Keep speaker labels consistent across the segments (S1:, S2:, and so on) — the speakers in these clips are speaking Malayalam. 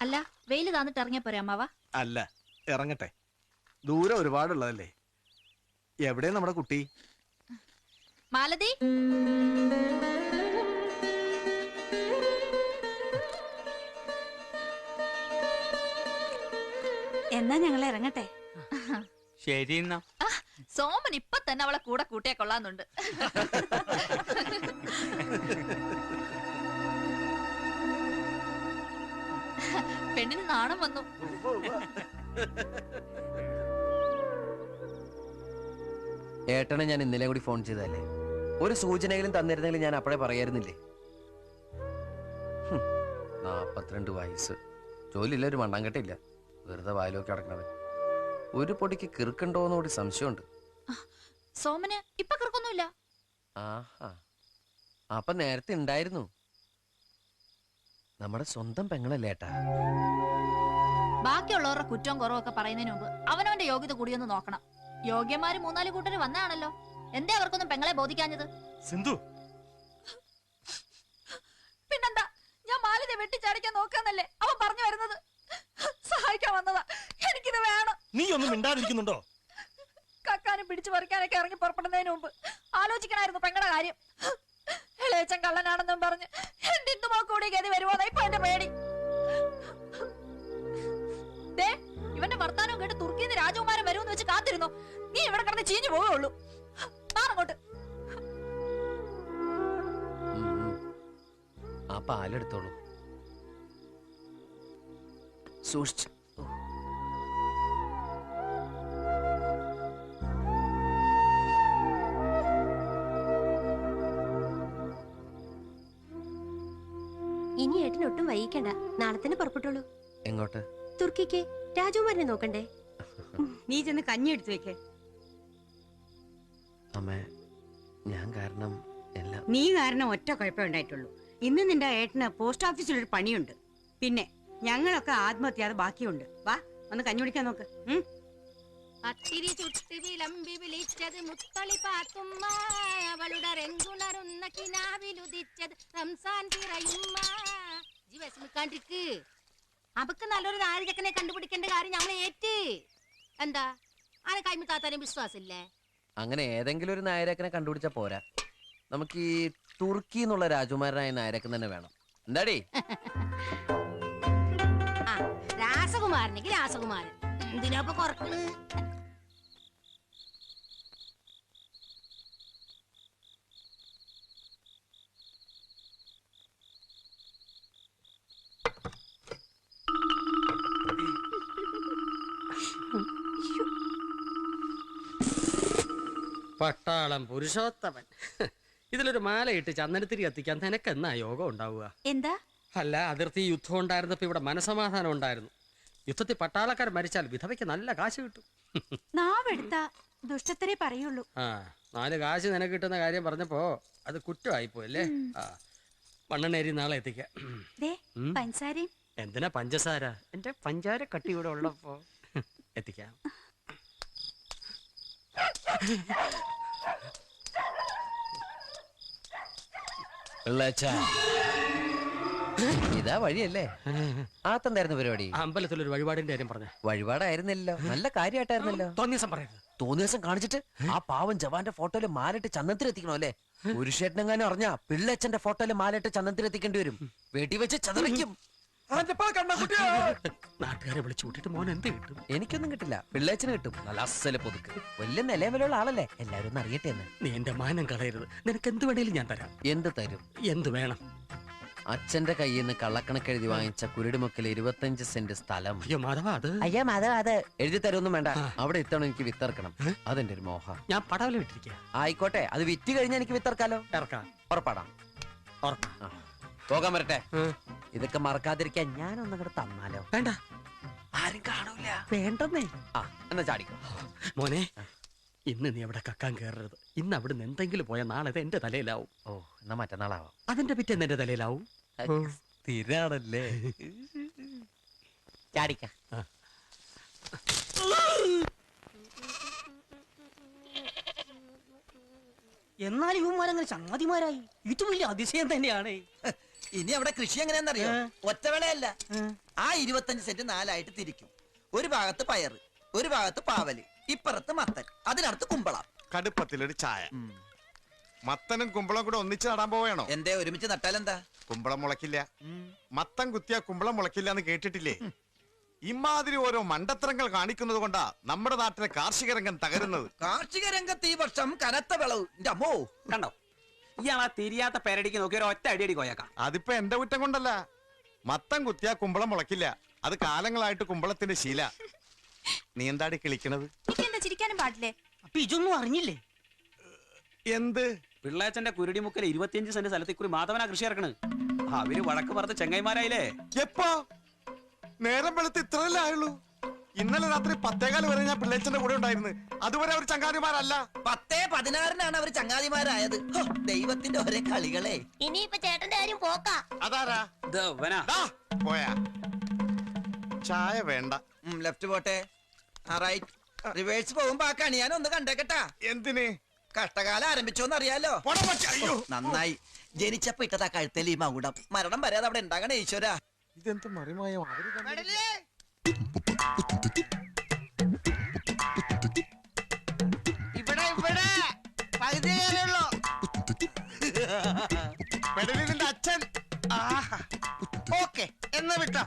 S1: അല്ല വെയില് താന്നിട്ട് ഇറങ്ങിയ പോരെ അമ്മാവ?
S2: അല്ല, ഇറങ്ങട്ടെ. ദൂരം ഒരുപാടുള്ളതല്ലേ. എവിടെ നമ്മുടെ കുട്ടി?
S1: മാലതി,
S3: എന്നാ ഞങ്ങൾ ഇറങ്ങട്ടെ.
S4: ശരി എന്നാ.
S1: സോമൻ ഇപ്പൊ തന്നെ അവളെ കൂടെ കൂട്ടിയാ കൊള്ളാന്നുണ്ട്. പെണ്ണിന് നാണം വന്നു.
S5: ഏട്ടനെ ഞാൻ ഇന്നലെ കൂടി ഫോൺ ചെയ്തല്ലേ. ഒരു സൂചനയിലും തന്നിരുന്നെങ്കിൽ ഞാൻ അപ്പോഴേ പറയായിരുന്നില്ലേ. 42 വയസ്സ്, ജോലിയില്ല, ഒരു മണ്ണാങ്കട്ടില്ല, വെറുതെ വായിലൊക്കെ അടക്കണത്. ഒരു പൊടിക്ക് കിറുക്കുണ്ടോന്ന് കൂടി സംശയമുണ്ട്.
S1: സോമന് ഇപ്പൊ കിറുക്കൊന്നുമില്ല.
S5: ആഹാ, അപ്പൊ നേരത്തെ ഉണ്ടായിരുന്നു. നമ്മുടെ സ്വന്തം പെങ്ങളല്ലേ ഏട്ടാ.
S1: ബാക്കിയുള്ളവരുടെ കുറ്റവും കുറവൊക്കെ പറയുന്നതിന് മുമ്പ് അവനവന്റെ യോഗ്യത കൂടിയൊന്ന് നോക്കണം. യോഗ്യന്മാര് 3-4 കൂട്ടര് വന്നാണല്ലോ. എന്തേ അവർക്കൊന്നും പെങ്ങളെ ബോധിക്കാഞ്ഞത്?
S2: സിന്ധു,
S1: പിന്നെന്താ, ഞാൻ മാലിനെ വെട്ടിച്ചാടിക്കാൻ നോക്കാന്നല്ലേ അവൻ പറഞ്ഞു വരുന്നത്. സഹായിക്കാൻ വന്നതാ. എനിക്കിത് വേണം.
S2: നീ ഒന്നും മിണ്ടാതിരിക്കുന്നുണ്ടോ?
S1: കക്കാനും പിടിച്ചു പറിക്കാനൊക്കെ ഇറങ്ങി പുറപ്പെടുന്നതിന് മുമ്പ് ആലോചിക്കണായിരുന്നു പെങ്ങളുടെ കാര്യം. ഇളയച്ചൻ കള്ളനാണെന്നും പറഞ്ഞ് എന്റെ ഇന്ദുമാ കൂടി ഗതി വരുമോന്നാ ഇപ്പൊ എന്റെ പേടി. ഇവന്റെ വർത്താനം കേട്ട് തുർക്കിന്ന് രാജകുമാരൻ വരുമെന്ന് വെച്ച് കാത്തിരുന്നു. നീ ഇവിടെ കിടന്ന് ചീഞ്ഞു പോവുള്ളൂ. മാറങ്ങോട്ട്.
S5: ആ പാലെടുത്തോളൂ, സൂക്ഷിച്ച്.
S3: ഇനി ഏട്ടൻ ഒട്ടും വൈകിക്കണ്ട, നാളെ തന്നെ പുറപ്പെട്ടോളൂ.
S5: എങ്ങോട്ട്?
S3: തുർക്കിക്ക് രാജകുമാരനെ നോക്കണ്ടേ?
S6: നീ ചെന്ന് കഞ്ഞി എടുത്തു വെക്കേ.
S5: അമ്മേ, ഞാൻ കാരണം എല്ലാം.
S6: നീ കാരണം ഒറ്റ കുഴപ്പമേ ഉണ്ടായിട്ടുള്ളൂ. ഇന്ന് നിന്റെ ഏട്ടന് പോസ്റ്റ് ഓഫീസിലൊരു പണിയുണ്ട്. പിന്നെ ഞങ്ങളൊക്കെ ആത്മഹത്യാതെ ബാക്കിയുണ്ട്. വാ, ഒന്ന് കഞ്ഞി കുടിക്കാൻ നോക്ക്.
S7: അത്തിരി ചുട്ടി വിളമ്പി വിളിച്ചത് മുത്തളി പാത്തുമ്മ, അവളുടെ രംഗുണരുന്ന കിനാവിലുദിച്ചത് റംസാൻ പിറയുമ്മ. ജി വിഷമിക്കാണ്ടിരിക്ക്. അവക്ക് നല്ലൊരു നാരിചക്കനെ കണ്ടുപിടിക്കേണ്ട കാര്യം ഞങ്ങൾ ഏറ്റ്. എന്താ ആനെ കൈമ താത്താനും വിശ്വാസമില്ലേ?
S5: അങ്ങനെ ഏതെങ്കിലും ഒരു നായരക്കനെ കണ്ടുപിടിച്ചാ പോരാ. നമുക്ക് ഈ തുർക്കി എന്നുള്ള രാജകുമാരനായ നായരക്കൻ തന്നെ വേണം. എന്താടി?
S7: രാസകുമാരനെങ്കിൽ രാസകുമാരൻ. എന്തിനാപ്പൊ കുറക്കണ്?
S4: പട്ടാളം പുരുഷോത്തമൻ, ഇതിലൊരു മാലയിട്ട് ചന്ദനത്തിരി കത്തിക്കാൻ നിനക്ക് എന്നാ യോഗം ഉണ്ടാവുക?
S3: എന്താ?
S4: അല്ല, അതിർത്തി യുദ്ധം ഉണ്ടായിരുന്നപ്പോ ഇവിടെ മനസമാധാനം ഉണ്ടായിരുന്നു. യുദ്ധത്തിൽ പട്ടാളക്കാർ മരിച്ചാൽ വിധവയ്ക്ക് നല്ല കാശ് കിട്ടും.
S3: നാവെടുത്ത ദുഷ്ടത്തരെ പറയുള്ളൂ.
S4: 4 കാശ് നിനക്ക് കിട്ടുന്ന കാര്യം പറഞ്ഞപ്പോ അത് കുറ്റമായിപ്പോയല്ലേ? മണ്ണെണ്ണേരി നാളെ എത്തിക്കാം.
S3: പഞ്ചസാരയും.
S4: എന്തിനാ പഞ്ചസാര? എന്റെ പഞ്ചാര കട്ടി ഇവിടെ ഉള്ളപ്പോ എത്തിക്കാം.
S5: ഇതാ വഴിയല്ലേ? ആത്തെന്തായിരുന്നു പരിപാടി?
S4: അമ്പലത്തിലൊരു വഴിപാടിന്റെ കാര്യം പറഞ്ഞ.
S5: വഴിപാടായിരുന്നല്ലോ, നല്ല കാര്യമായിട്ടായിരുന്നല്ലോ.
S4: തോന്നിയസം പറയരുത്.
S5: തോന്നിയസം കാണിച്ചിട്ട് ആ പാവം ജവാന്റെ ഫോട്ടോയില് മാലിട്ട് ചന്ദനത്തിലെത്തിക്കണോ അല്ലേ? പുരുഷേട്ടനെങ്ങാനും അറിഞ്ഞാ പിള്ളേച്ചന്റെ ഫോട്ടോയില് മാലിട്ട് ചന്ദനത്തിലെത്തിക്കേണ്ടി വരും. വീട്ടിൽ വെച്ച് ചതറിക്കും.
S4: നാട്ടുകാരെ വിളിച്ചു കൂട്ടിട്ട് മോൻ എന്ത് കിട്ടും?
S5: എനിക്കൊന്നും കിട്ടില്ല, പിള്ളേച്ചന് കിട്ടും. നല്ല അസല് പൊതുക്ക്, വലിയ നിലവിലുള്ള ആളല്ലേ, എല്ലാരും ഒന്ന് അറിയട്ടെ എന്ന്.
S4: നീ എന്റെ മാനം കളയരുത്. നിനക്ക് എന്ത് വേണേലും ഞാൻ തരാം.
S5: എന്ത് തരും?
S4: എന്ത് വേണം?
S5: അച്ഛന്റെ കയ്യിൽ നിന്ന് കള്ളക്കണക്കെഴുതി വാങ്ങിച്ച കുരുടിമുക്കിൽ 25 സെന്റ് സ്ഥലം.
S4: അയ്യോ മാധവ,
S5: അത് എഴുതി തരുമൊന്നും വേണ്ട. അവിടെ ഇത്തവണ എനിക്ക് വിത്തിറക്കണം. അതെന്റെ ഒരു മോഹ.
S4: ഞാൻ പടവല വിട്ടിരിക്കുക.
S5: ആയിക്കോട്ടെ, അത് വിറ്റ് കഴിഞ്ഞാൽ എനിക്ക് വിത്തിറക്കാലോ.
S4: ഇറക്കാം.
S5: ഉറപ്പാടാം. പോകാൻ വരട്ടെ. ഇതൊക്കെ മറക്കാതിരിക്കാൻ ഞാനൊന്നും കൂടെ തന്നാലോ?
S4: വേണ്ട,
S5: ആരും കാണൂല.
S4: വേണ്ടെന്നേ.
S5: എന്നാ ചാടിക്കോ
S4: മോനെ. ഇന്ന് നീ അവിടെ കക്കാൻ കയറരുത്. ഇന്ന് അവിടുന്ന് എന്തെങ്കിലും പോയാൽ നാളെ എന്റെ തലയിലാവും.
S5: ഓ, എന്നാ മറ്റന്നാളാവാം.
S4: അതിന്റെ പിറ്റേന്ന് എന്റെ തലയിലാവും.
S5: സ്ഥിരാണല്ലേ? ചാടിക്ക.
S8: എന്നാൽ ഇവന്മാരങ്ങനെ ചങ്ങാതിമാരായി. ഇത് വലിയ അതിശയം തന്നെയാണ്.
S9: ഇനി അവിടെ കൃഷി എങ്ങനെയാണെന്നറിയോ? ഒറ്റവേളയല്ല, ആ 25 സെന്റ് 4 തിരിക്കും. ഒരു ഭാഗത്ത് പയറ്, ഒരു ഭാഗത്ത് പാവല്, ഇപ്പുറത്ത് മത്തൻ, അതിനടുത്ത് കുമ്പളം.
S10: കടുപ്പത്തിലൊരു ചായ. മത്തനും കുമ്പളം കൂടെ ഒന്നിച്ച് നടാൻ പോവേണോ?
S9: എന്തേ ഒരുമിച്ച് നട്ടാലെന്താ?
S10: കുമ്പളം മുളക്കില്ല. മത്തൻ കുത്തിയാ കുമ്പളം മുളക്കില്ല എന്ന് കേട്ടിട്ടില്ലേ? ഇമാതിരി ഓരോ മണ്ടത്തരങ്ങൾ കാണിക്കുന്നത് കൊണ്ടാ നമ്മുടെ നാട്ടിലെ കാർഷിക രംഗം തകരുന്നത്.
S9: കാർഷിക രംഗത്ത് ഈ വർഷം കനത്ത വിളവ്. അമ്മോ
S11: കണ്ടോ, ഇയാളാ തിരിയാത്ത പേരടിക്ക് നോക്കി ഒരു ഒറ്റ അടിയടി കോയക്കാം.
S10: അതിപ്പോ എന്റെ കുറ്റം കൊണ്ടല്ല. മത്തൻ കുത്തിയാ കുമ്പളം മുളക്കില്ല. അത് കാലങ്ങളായിട്ട് കുമ്പളത്തിന്റെ ശീല. നീ എന്താടി കിളിക്കണത്?
S1: എന്താ ചിരിക്കാനും പാടില്ലേ?
S8: അപ്പൊ ഇതൊന്നും അറിഞ്ഞില്ലേ?
S10: എന്ത്?
S11: പിള്ളേച്ചന്റെ കുരുടിമുക്കൽ 25 സെന്റ് സ്ഥലത്തിൽ കൂടി മാധവനാ കൃഷി ഇറക്കണ്. അവര് വഴക്ക് പറഞ്ഞ ചെങ്ങൈമാരായില്ലേ?
S10: എപ്പോ? നേരം വെളുത്ത് ഇത്രയല്ലേ ആയുള്ളൂ. ഇന്നലെ രാത്രി 10:15 വരെ ഞാൻ പിള്ളേച്ചന്റെ കൂടെ ഉണ്ടായിരുന്നു. അതുവരെ അവർ ചങ്ങാതിമാരല്ല.
S9: 10:16 അവർ ചങ്ങാതിമാരായത്. ദൈവത്തിന്റെ ഒരേ കളികളെ.
S7: ഇനിയിപ്പൊ ചേട്ടന്റെ കാര്യം പോക്കാ.
S10: അതാരാ? പോയാ ചായ വേണ്ട.
S9: ലെഫ്റ്റ് പോട്ടെ. റിവേഴ്സ് പോകുമ്പോ ആ കണി ഞാൻ ഒന്ന് കണ്ടേക്കട്ടാ.
S10: എന്തിന്?
S9: കഷ്ടകാലം ആരംഭിച്ചോന്ന് അറിയാലോ. നന്നായി. ജനിച്ചപ്പോ ഇട്ടതാ കഴുത്തൽ ഈ മകുടം. മരണം വരാതെ അവിടെ ഉണ്ടാകണേ ഈശ്വര.
S10: ഇതെന്ത് മറിമായോ?
S8: ഇവിടെ ഇവിടെ പകുതി കയറുള്ളൂ.
S10: പെടലിന്റെ അച്ഛൻ.
S8: ഓക്കെ എന്നാ വിട്ടോ.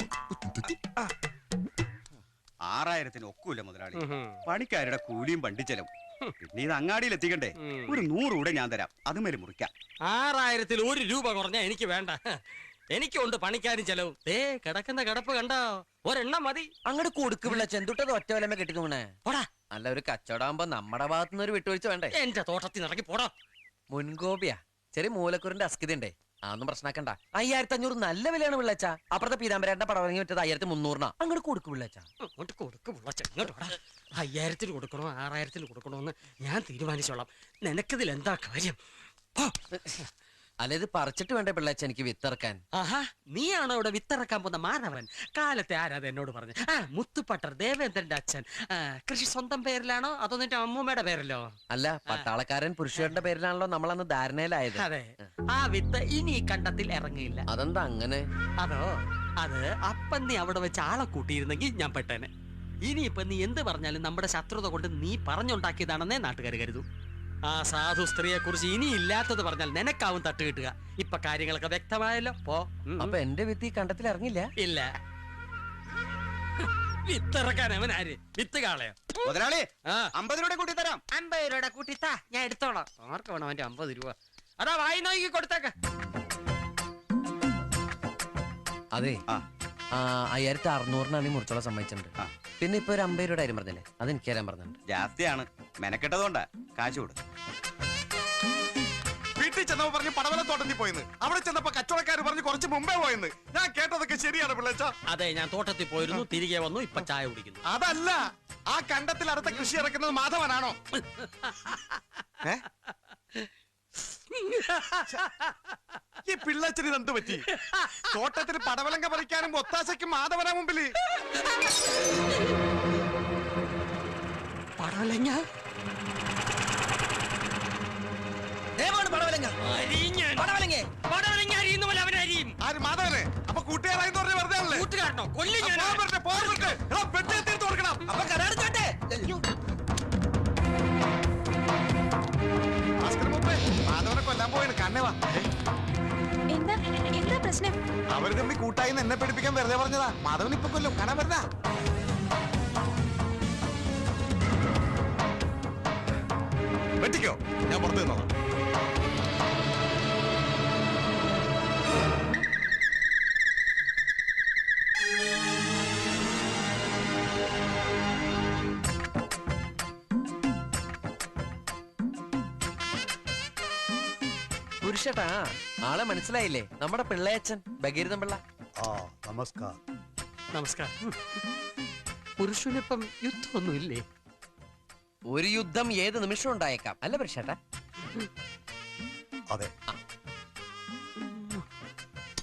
S11: 6000 ഒക്കൂല മുതലാളി. പണിക്കാരുടെ കൂലിയും വണ്ടിച്ചെലവും. പിന്നെ ഇത് അങ്ങാടിയിൽ എത്തിക്കണ്ടേ? ഒരു 100 കൂടെ ഞാൻ തരാം. അതുമേലെ മുറിക്കാം.
S4: 6000-ൽ 1 രൂപ കുറഞ്ഞാ എനിക്ക് വേണ്ട. എനിക്കുണ്ട് പണിക്കാരും ചെലവും. കിടക്കുന്ന കിടപ്പ് കണ്ടോ? ഒരെണ്ണം മതി.
S5: അങ്ങോട്ട് കൊടുക്ക് പിള്ളേച്ച. എന്തുട്ടത് ഒറ്റ വലമേ കെട്ടി തോന്നണേ?
S4: പോടാ.
S5: അല്ല, ഒരു കച്ചവടാകുമ്പോ നമ്മുടെ ഭാഗത്തുനിന്ന് ഒരു വിട്ടുവീഴ്ച വേണ്ടേ?
S4: എന്റെ തോട്ടത്തിൽ ഇറങ്ങി പോടാ.
S5: മുൻകോപിയാ. ചെറിയ മൂലക്കുറിന്റെ അസ്കിത ഉണ്ടേ. അതൊന്നും പ്രശ്നമാക്കണ്ട. 5500 നല്ല വിലയാണ് പിള്ളേച്ച. അപ്പുറത്തെ പീതാമ്പരേട്ടന്റെ പടം ഇറങ്ങി വിറ്റത് 1300. അങ്ങോട്ട് കൊടുക്ക് പിള്ളേച്ച.
S4: അങ്ങോട്ട് കൊടുക്ക് പിള്ളേച്ച. ഇങ്ങോട്ട് പോടാ. 5000-ൽ കൊടുക്കണോ 6000-ൽ കൊടുക്കണോ എന്ന് ഞാൻ തീരുമാനിച്ചോളാം. നിനക്കിതിൽ എന്താ കാര്യം?
S5: അല്ല, ഇത് പറിച്ചിട്ട് വേണ്ടേ പിള്ളേച്ച എനിക്ക് വിത്തിറക്കാൻ?
S4: ആഹാ, നീയാണോ ഇവിടെ വിത്തിറക്കാൻ പോകുന്ന മാധവൻ? കാലത്തെ ആരാത് എന്നോട് പറഞ്ഞു? മുത്തുപട്ടർ ദേവേന്ദ്രന്റെ അച്ഛൻ. കൃഷി സ്വന്തം പേരിലാണോ അതോ നിന്റെ അമ്മൂമ്മയുടെ പേരിലോ?
S5: അല്ല, പട്ടാളക്കാരൻ പുരുഷന്റെ പേരിലാണല്ലോ നമ്മളന്ന് ധാരണയിലായത്.
S4: അതെ, ആ വിത്ത് ഇനി ഈ കണ്ടത്തിൽ ഇറങ്ങിയില്ല.
S5: അതെന്താ അങ്ങനെ?
S4: അതോ, അത് അപ്പം നീ അവിടെ വെച്ച് ആളെ കൂട്ടിയിരുന്നെങ്കിൽ ഞാൻ പെട്ടേനെ. ഇനിയിപ്പൊ നീ എന്ത് പറഞ്ഞാലും നമ്മുടെ ശത്രുത കൊണ്ട് നീ പറഞ്ഞുണ്ടാക്കിയതാണെന്നേ നാട്ടുകാർ കരുതൂ. ആ സാധു സ്ത്രീയെ കുറിച്ച് ഇനി ഇല്ലാത്തത് പറഞ്ഞാൽ നിനക്കാവും തട്ട് കിട്ടുക. ഇപ്പൊ കാര്യങ്ങളൊക്കെ വ്യക്തമായല്ലോ. പോ.
S5: അപ്പൊ എന്റെ വിത്ത് ഈ കണ്ടത്തിൽ ഇറങ്ങില്ല?
S4: ഇല്ല. വിത്തിറക്കാൻ അവൻ ആര്? വിത്ത് കാളയോ?
S11: മുതലാളി 50 രൂപ കൂട്ടി തരാം.
S4: 50 രൂപ കൂട്ടിത്താ, ഞാൻ എടുത്തോളാം. ആർക്ക് വേണം അവന്റെ 50 രൂപ? അതാ വായി നോക്കി കൊടുത്തേക്ക.
S5: അതെ, 5600 മുറിച്ചോളം സമ്മതിച്ചിട്ടുണ്ട്. പിന്നെ ഇപ്പൊ ഒരു 50 രൂപയുടെ കാര്യം പറഞ്ഞില്ലേ, അത് എനിക്ക് തരാൻ പറഞ്ഞിട്ടുണ്ട്.
S11: ജാസ്തിയാണ്, മെനക്കെട്ടതുകൊണ്ടാ. കാശ് കൊടു.
S10: വീട്ടിൽ ചെന്നപ്പോ പറഞ്ഞു പടവലത്തോട്ടത്തിൽ പോയെന്ന്. അവിടെ ചെന്നപ്പോ കച്ചവടക്കാർ പറഞ്ഞു കുറച്ച് മുമ്പേ പോയെന്ന്. ഞാൻ കേട്ടതൊക്കെ ശരിയാണ് പിള്ളേച്ച.
S4: അതെ, ഞാൻ തോട്ടത്തിൽ പോയിരുന്നു, തിരികെ വന്നു, ഇപ്പൊ ചായ കുടിക്കുന്നു.
S10: അതല്ല, ആ കണ്ടത്തിൽ അടുത്ത കൃഷി ഇറക്കുന്നത് മാധവനാണോ? ഈ പിള്ളേച്ചന് ഇതെന്ത് പറ്റി? തോട്ടത്തിൽ പടവലങ്ക പറിക്കാനും ഒത്താശയ്ക്കും മാധവനാ മുമ്പില്.
S4: പടവലങ്ങ
S10: ആര്? മാധവനെ? അപ്പൊ കൂട്ടുകാരായി വെറുതെ
S4: കൂട്ടുകാരനോ? കൊല്ലി
S10: തീർത്ത് കൊടുക്കണം.
S9: അപ്പൊ കരാറ് ചോട്ടെ.
S10: മാധവനെ കൊല്ലാൻ പോയാണ്. കണ്ണേവാ.
S1: എന്താ എന്താ പ്രശ്നം?
S10: അവര് തമ്മിൽ കൂട്ടായി എന്നെ പഠിപ്പിക്കാൻ വെറുതെ പറഞ്ഞതാ. മാധവൻ ഇപ്പൊ കൊല്ലും. കാണാൻ വരുന്ന വെട്ടിക്കോ, ഞാൻ പുറത്തു നിന്നോളാം.
S5: പുരുഷട്ടാ, ആളെ മനസ്സിലായില്ലേ? നമ്മുടെ പിള്ളയച്ചൻ ഭഗീരഥൻ പിള്ള.
S10: നമസ്കാരം.
S4: നമസ്കാരം. പുരുഷനിപ്പം യുദ്ധമൊന്നും ഇല്ലേ?
S5: ഒരു യുദ്ധം ഏത് നിമിഷം ഉണ്ടായേക്കാം, അല്ല പുരുഷേട്ടാ?
S10: അതെ.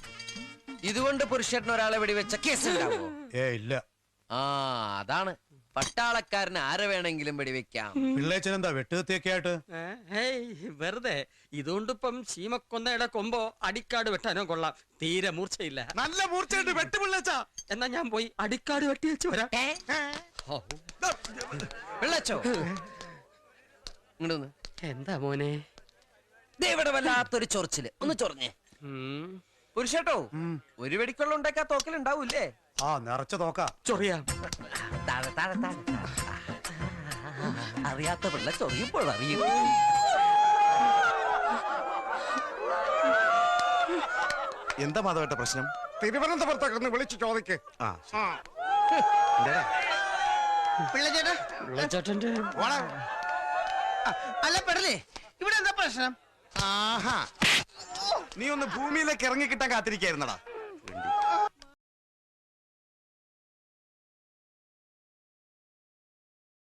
S5: ഇതുകൊണ്ട് പുരുഷേട്ടൻ ഒരാളെ വെടിവെച്ച കേസ് ഉണ്ടാവോ?
S10: ഇല്ല.
S5: അതാണ് പട്ടാളക്കാരന് ആരെ വേണമെങ്കിലും വെടിവെക്കാം.
S10: പിള്ളേച്ചൻ എന്താ വെട്ടുകത്തിയൊക്കെ ആയിട്ട്?
S4: വെറുതെ ഇതുകൊണ്ടിപ്പം ശീമക്കൊന്നയുടെ കൊമ്പോ അടിക്കാട് വെട്ടാനോ കൊള്ളാം. തീരെ മൂർച്ചയില്ല.
S10: നല്ല മൂർച്ചയായിട്ട് വെട്ട് പിള്ളേച്ചാ.
S4: എന്നാ ഞാൻ പോയി അടിക്കാട് വെട്ടി വെച്ച് വരാം.
S5: പിള്ളച്ചോ ഇങ്ങോട്ട്
S4: എന്താ മോനെ?
S5: ഇവിടെ വല്ലാത്തൊരു ചൊറിച്ചില്. ഒന്ന് ചൊറിഞ്ഞേ. പുരുഷേട്ടോ, ഒരു വെടിക്കൊള്ള ഉണ്ടാക്കാ തോക്കലുണ്ടാവൂല്ലേ?
S10: ആ നിറച്ച തോക്ക.
S4: ചൊറിയാം.
S5: താഴെ താഴെ താഴെ. അറിയാത്ത പിള്ള ചൊറിയുമ്പോൾ അറിയും.
S10: എന്താ മാധവേട്ട പ്രശ്നം? തിരുവനന്തപുരത്തൊക്കെ ഒന്ന് വിളിച്ചു ചോദിക്ക്.
S4: പിള്ളച്ചേട്ടന്റെ
S8: അല്ല പെടലേ, ഇവിടെ എന്താ പ്രശ്നം?
S10: ആഹാ, നീ ഒന്ന് ഭൂമിയിലേക്ക് ഇറങ്ങി കിട്ടാൻ കാത്തിരിക്കായിരുന്നടാ.